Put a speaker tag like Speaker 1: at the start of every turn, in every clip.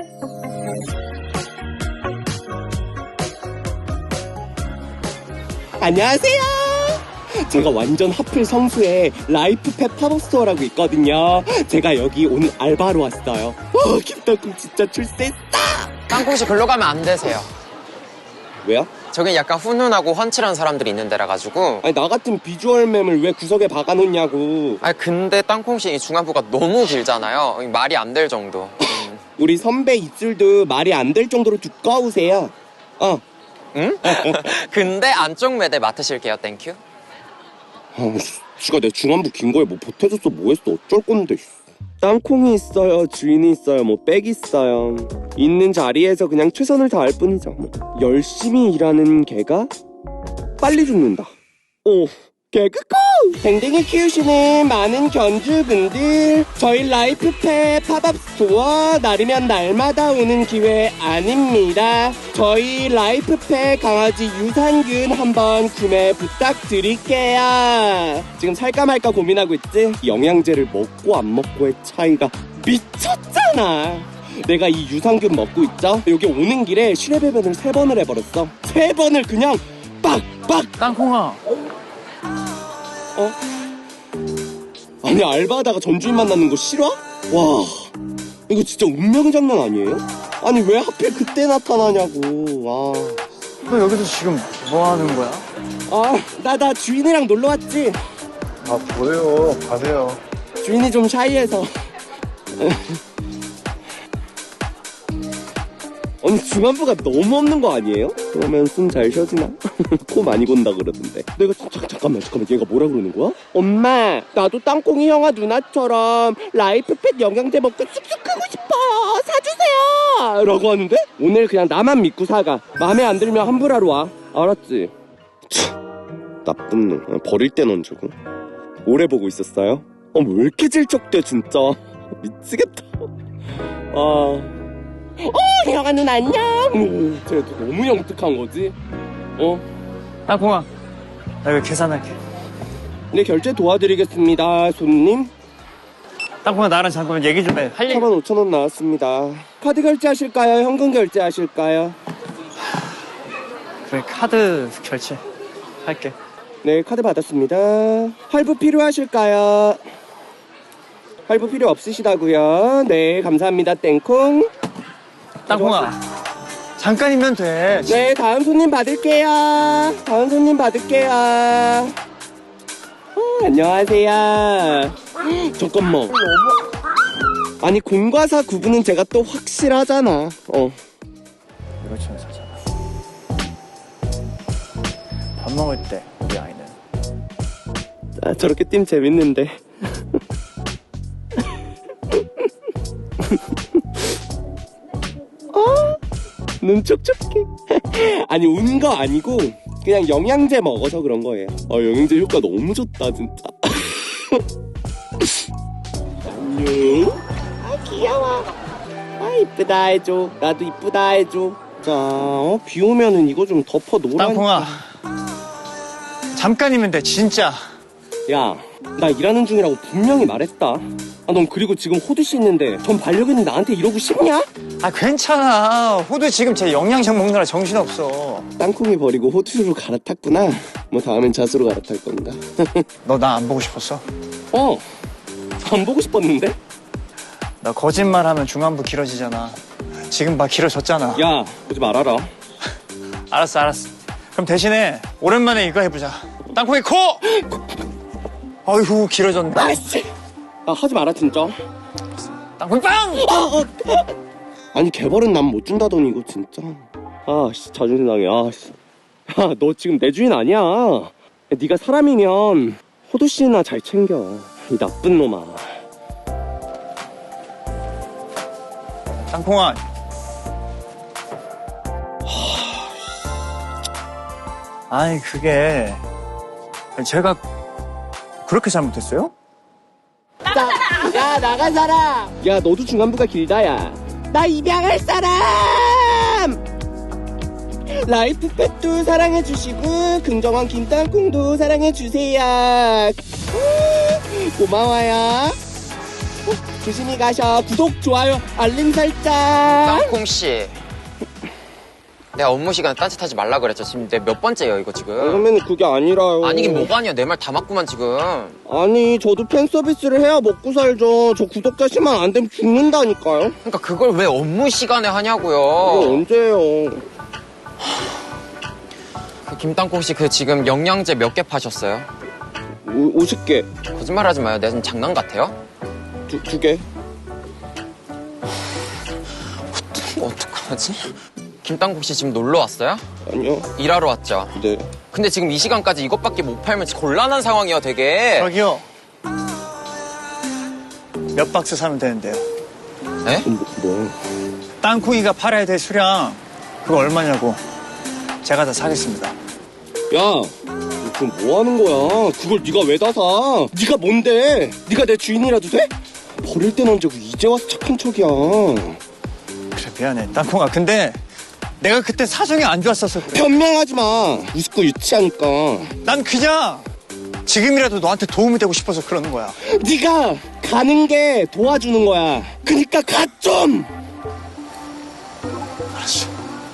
Speaker 1: 안녕하세요. 제가 완전 하필 성수에 라이프팹 팝업스토어라고 있거든요. 제가 여기 오늘 알바로 왔어요. 김땅콩 진짜 출세했어.
Speaker 2: 땅콩씨 글로 가면 안 되세요.
Speaker 1: 왜요?
Speaker 2: 저긴 약간 훈훈하고 훤칠한 사람들이 있는 데라 가지고.
Speaker 1: 아니 나 같은 비주얼mem을 왜 구석에 박아놓냐고.
Speaker 2: 아니 근데 땅콩씨 이 중안부가 너무 길잖아요. 말이 안 될 정도.
Speaker 1: 우리 선배 입술도 말이 안 될 정도로 두꺼우세요.
Speaker 2: 응? 근데 안쪽 매대 맡으실게요. 땡큐.
Speaker 1: 지가 내 중안부 긴 거에 뭐 보태줬어 뭐했어 어쩔 건데. 땅콩이 있어요 주인이 있어요 뭐 빽 있어요. 있는 자리에서 그냥 최선을 다할 뿐이죠. 뭐. 열심히 일하는 개가 빨리 죽는다. 오 개그코! 댕댕이 키우시는 많은 견주분들, 저희 라이프팹 팝업스토어 날이면 날마다 오는 기회 아닙니다. 저희 라이프팹 강아지 유산균 한번 구매 부탁드릴게요. 지금 살까 말까 고민하고 있지? 영양제를 먹고 안 먹고의 차이가 미쳤잖아. 내가 이 유산균 먹고 있죠? 여기 오는 길에 실외배변을 3번을 해버렸어. 3번을 그냥 빡빡!
Speaker 3: 땅콩아.
Speaker 1: 아니 알바하다가 전주인 만나는 거 싫어? 와 이거 진짜 운명 장난 아니에요? 아니 왜 하필 그때 나타나냐고.
Speaker 3: 너 여기서 지금 뭐 하는 거야?
Speaker 1: 나 주인이랑 놀러 왔지.
Speaker 4: 뭐예요? 가세요.
Speaker 1: 주인이 좀 샤이해서. 아니 중안부가 너무 없는 거 아니에요? 그러면 숨 잘 쉬어지나? 코 많이 건다 그러던데. 내가 잠깐만 얘가 뭐라 그러는 거야? 엄마 나도 땅콩이 형아 누나처럼 라이프팹 영양제 먹고 쑥쑥 크고 싶어 사주세요 라고 하는데 오늘 그냥 나만 믿고 사가. 마음에 안 들면 환불하러 와. 알았지? 나쁜 놈. 버릴 땐 얹주고. 오래 보고 있었어요? 왜 이렇게 질척대 진짜. 미치겠다. 형아 눈 안녕. 쟤도 너무 영특한 거지.
Speaker 3: 땅콩아, 나 이거 계산할게.
Speaker 1: 네 결제 도와드리겠습니다 손님.
Speaker 3: 땅콩아, 나랑 잠깐만 얘기 좀 해. 할 얘기.
Speaker 1: 45,000원 나왔습니다. 카드 결제하실까요? 현금 결제하실까요?
Speaker 3: 그래, 카드 결제 할게.
Speaker 1: 네 카드 받았습니다. 할부 필요하실까요? 할부 필요 없으시다고요? 네 감사합니다. 땡콩.
Speaker 3: 땅콩아, 잠깐이면 돼.
Speaker 1: 네 다음 손님 받을게요. 안녕하세요. 잠깐만. 아니 공과 사 구분은 제가 또 확실하잖아.
Speaker 3: 이거 좀 사잖아. 밥 먹을 때 우리 아이는
Speaker 1: 저렇게 뛰면 재밌는데. 눈 촉촉해. 아니 운 거 아니고 그냥 영양제 먹어서 그런 거예요. 영양제 효과 너무 좋다 진짜. 안녕. 귀여워. 이쁘다 해줘. 나도 이쁘다 해줘. 자 비 오면은 이거 좀 덮어 놓으라.
Speaker 3: 땅콩아, 잠깐이면 돼 진짜.
Speaker 1: 야 나 일하는 중이라고 분명히 말했다. 넌 그리고 지금 호두 씨 있는데 전 반려견이 나한테 이러고 싶냐?
Speaker 3: 괜찮아. 호두 지금 제 영양제 먹느라 정신없어.
Speaker 1: 땅콩이 버리고 호두로 갈아탔구나. 뭐 다음엔 잣으로 갈아탈 건가?
Speaker 3: 너 나 안 보고 싶었어?
Speaker 1: 안 보고 싶었는데?
Speaker 3: 나 거짓말하면 중안부 길어지잖아. 지금 막 길어졌잖아.
Speaker 1: 야 보지 말아라.
Speaker 3: 알았어. 그럼 대신에 오랜만에 이거 해보자. 땅콩이 코! 아이고 길어졌네.
Speaker 1: 아이씨 하지 마라 진짜.
Speaker 3: 땅콩이 빵!
Speaker 1: 아니 개벌은 난 못 준다더니 이거 진짜. 자존심 상해. 너 지금 내 주인 아니야. 네가 사람이면 호두 씨나 잘 챙겨. 이 나쁜 놈아.
Speaker 3: 땅콩아. 아니 그게 제가 그렇게 잘못했어요?
Speaker 1: 야 나간 사람. 야 너도 중안부가 길다. 야 나 입양할 사람. 라이프팹도 사랑해주시고 긍정왕 김땅콩도 사랑해주세요. 고마워요. 조심히 가셔. 구독, 좋아요, 알림 설정.
Speaker 2: 땅콩 씨. 내가 업무 시간에 딴짓하지 말라 그랬죠. 지금 내 몇 번째예요 이거 지금.
Speaker 1: 그러면 그게 아니라요.
Speaker 2: 아니긴 뭐가 아니야. 내 말 다 맞구만 지금.
Speaker 1: 아니, 저도 팬 서비스를 해야 먹고 살죠. 저 구독자 10만 안 되면 죽는다니까요.
Speaker 2: 그러니까 그걸 왜 업무 시간에
Speaker 1: 이거
Speaker 2: 하냐고요.
Speaker 1: 언제예요?
Speaker 2: 그 김땅콩 씨 그 지금 영양제 몇 개 파셨어요?
Speaker 1: 50개.
Speaker 2: 거짓말하지 마요. 내가 지금 장난 같아요?
Speaker 1: 두 개.
Speaker 2: 어떡하지? 김땅콩 씨 지금 놀러 왔어요?
Speaker 1: 아니요.
Speaker 2: 일하러 왔죠.
Speaker 1: 네.
Speaker 2: 근데 지금 이 시간까지 이것밖에 못 팔면 곤란한 상황이에요, 되게.
Speaker 3: 저기요. 몇 박스 사면 되는데요.
Speaker 2: 에?
Speaker 1: 뭐.
Speaker 3: 땅콩이가 팔아야 될 수량 그거 얼마냐고. 제가 다 사겠습니다.
Speaker 1: 야, 너 지금 뭐 하는 거야? 그걸 네가 왜 다 사? 네가 뭔데? 네가 내 주인이라도 돼? 버릴 땐 언제고 이제 와서 착한 척이야.
Speaker 3: 그래 미안해 땅콩아. 근데 내가 그때 사정이 안 좋았어서 그래.
Speaker 1: 변명하지 마. 우습고 유치하니까.
Speaker 3: 난 그냥 지금이라도 너한테 도움이 되고 싶어서 그러는 거야.
Speaker 1: 네가 가는 게 도와주는 거야. 그니까 가 좀.
Speaker 3: 알았어.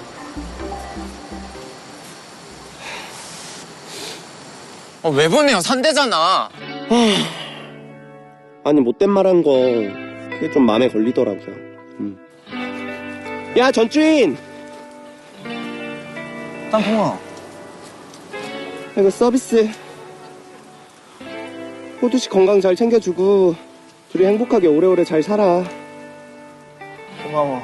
Speaker 2: 왜 보내요? 산대잖아.
Speaker 1: 아니 못된 말 한 거 그게 좀 마음에 걸리더라고요. 야, 전주인.
Speaker 3: 땅콩아.
Speaker 1: 이거 서비스. 호두씨 건강 잘 챙겨주고 둘이 행복하게 오래오래 잘 살아.
Speaker 3: 고마워.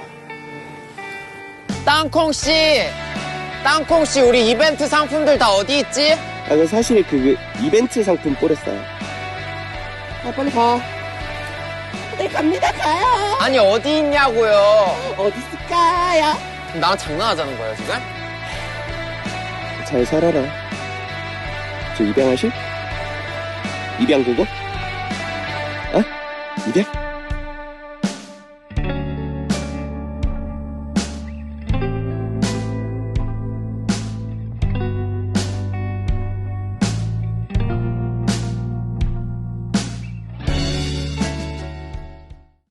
Speaker 2: 땅콩 씨! 땅콩 씨, 우리 이벤트 상품들 다 어디 있지?
Speaker 1: 아, 그 사실 그 이벤트 상품 뿌렸어요. 아, 빨리 가. 네, 갑니다. 가요.
Speaker 2: 아니, 어디 있냐고요.
Speaker 1: 어디 있을까요?
Speaker 2: 나랑 장난하자는 거예요, 지금?
Speaker 1: 잘 살아라. 저 입양하실? 입양 그거? 어? 입양?